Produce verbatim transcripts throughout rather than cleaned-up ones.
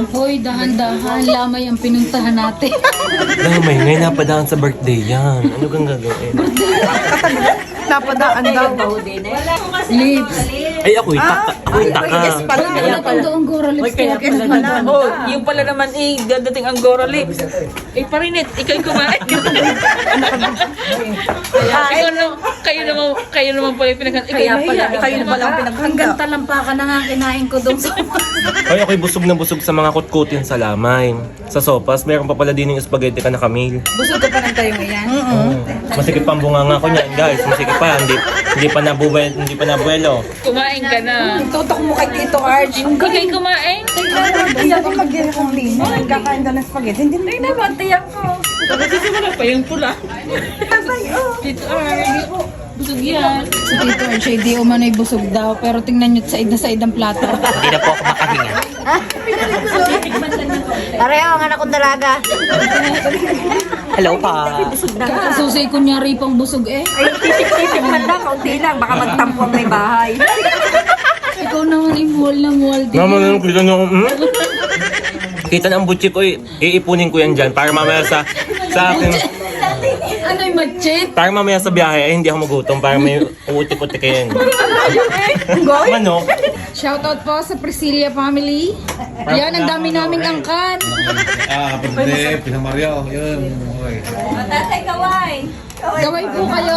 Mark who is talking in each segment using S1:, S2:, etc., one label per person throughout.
S1: Hoy, dahan-dahan, lamay ang pinuntahan natin.
S2: Lamay, ngayon napadaan sa birthday yan. Ano kang gagawin?
S3: Napadaan daw.
S1: Lips.
S2: Ay, ako'y taka. Ako'y taka.
S1: Wala pang doon gora lips. Kaya
S4: Oh, yung pala naman eh, dadating ang Gora Lips. Eh, parinit, ikaw'y kumain. Ikaw na, kayo naman, kayo naman pala yung pinaghan. Kaya pala,
S3: Kayo na pala ang pinaghanda.
S1: hanggang talampakan na nga kinain ko doon sa
S2: Ay, ako'y busog na busog sa mga kutkutin sa lamay. Sa sopas, meron pa pala din yung spaghetti ka na kamil.
S3: Busog ka pa ng tayo ngayon.
S2: Masikip pa ang bunganga ko niyan, guys. Masikip pa. Hindi, hindi pa nabubuelo. Hindi pa nabuelo.
S4: kumain ka na.
S3: Tutok mo kay Tito Arj.
S4: Ikaw'y kumain.
S3: Tiyak ko mag-gaya kong lino. Nagkakain ka ng spaghetti. Hindi mo naman, tiyak ko.
S4: Wala pa yung pula. Dito, ay, busog yan.
S1: Si Tito Archie, di umano'y busog daw. Pero tingnan nyo, said na said ang plato.
S2: Hindi na po ako makahinga.
S5: Pareho ang anak kong dalaga.
S2: Hello pa.
S1: Kasusi kunyari pang busog eh.
S3: Titik man lang, kaunti lang. Baka magtampo ang may bahay.
S1: Ikaw naman imuwal na muwal din.
S2: Mama, ano, kita niyo, hmm? Kita na ang butchik ko, eh. Iipunin ko yan dyan para mamaya sa, sa akin.
S1: Ano'y matchit?
S2: Para mamaya sa biyahe, eh, hindi ako magutom. Para may uutik-utik kayo. Manok.
S1: Shoutout po sa Priscilla family. Yan, ang dami naming angkan.
S6: Ah, kapatid, Pinamario, yun. Okay.
S1: Gaway po kayo.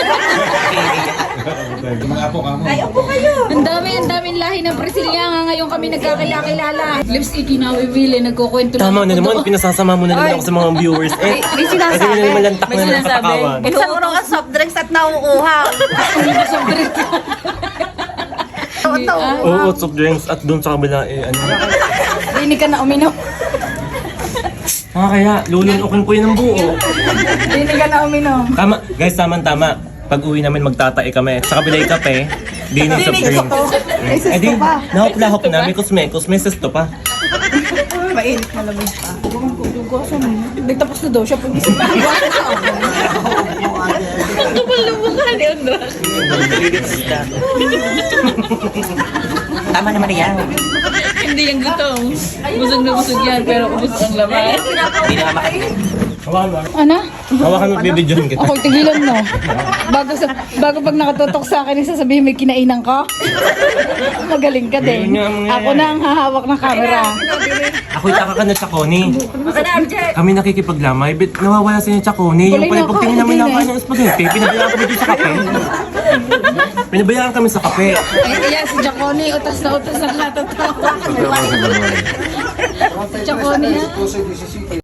S6: Mga apo ka mo.
S1: Ang dami, ang daming lahi ng Priscilla. Nga ngayon kami nagkakilala. Lips ikinawiwili, nagkukwento lang
S2: Tama na
S1: ako
S2: naman,
S1: doon.
S2: pinasasama mo na naman ako sa mga viewers. Eh,
S3: May sinasabi.
S2: kasi na naman lantak
S4: May
S2: na ng
S4: sinasabi.
S2: katakawan.
S5: Isang urong ang soft drinks at nauuhaw.
S3: Ito.
S2: Oo, soft drinks at doon sa kabila, eh, ano.
S1: Hindi ka na uminom.
S2: Ah, kaya, lulunukin ko yun ng buo.
S1: Hindi ka na uminom.
S2: Tama, guys, tama-tama. Pag uwi namin magtatae kami. Sa kabila yung kape, di na soft drinks.
S3: May
S2: Eh di,
S3: sesto pa.
S2: nahop-lahop na, may kusmekos, may sesto pa.
S3: Mainit na lamig pa.
S1: Nagtapos na daw siya pag isip.
S4: Ang kapal na mukha ni Andra.
S2: Tama naman yan.
S4: Hindi yung gutom. Busog na busog yan, pero ubos ang laman.
S2: Hindi na makakain. Hawakan mo.
S1: Ano?
S2: Hawakan mo, bibidyohan kita.
S1: Ako'y tigilan mo. Bago sa bago pag nakatutok sa akin, sasabihin may kinainan ka. Magaling ka din.
S2: Ayun nga, mga
S1: Ako na ang hahawak ng camera.
S2: Ako'y taka ka na Chaconi. Kami nakikipaglamay, but nawawala sa inyo Chaconi. Yung
S1: Kulay
S2: pala
S1: na
S2: pag
S1: ako,
S2: tingin namin
S1: hindi
S2: na
S1: na
S2: kain ng spaghetti, pinabayaan kami dito sa kape. Pinabayaan kami sa kape.
S1: Eh, yeah, si Jaconi, utas na utas ang lahat. Si Jaconi, ha?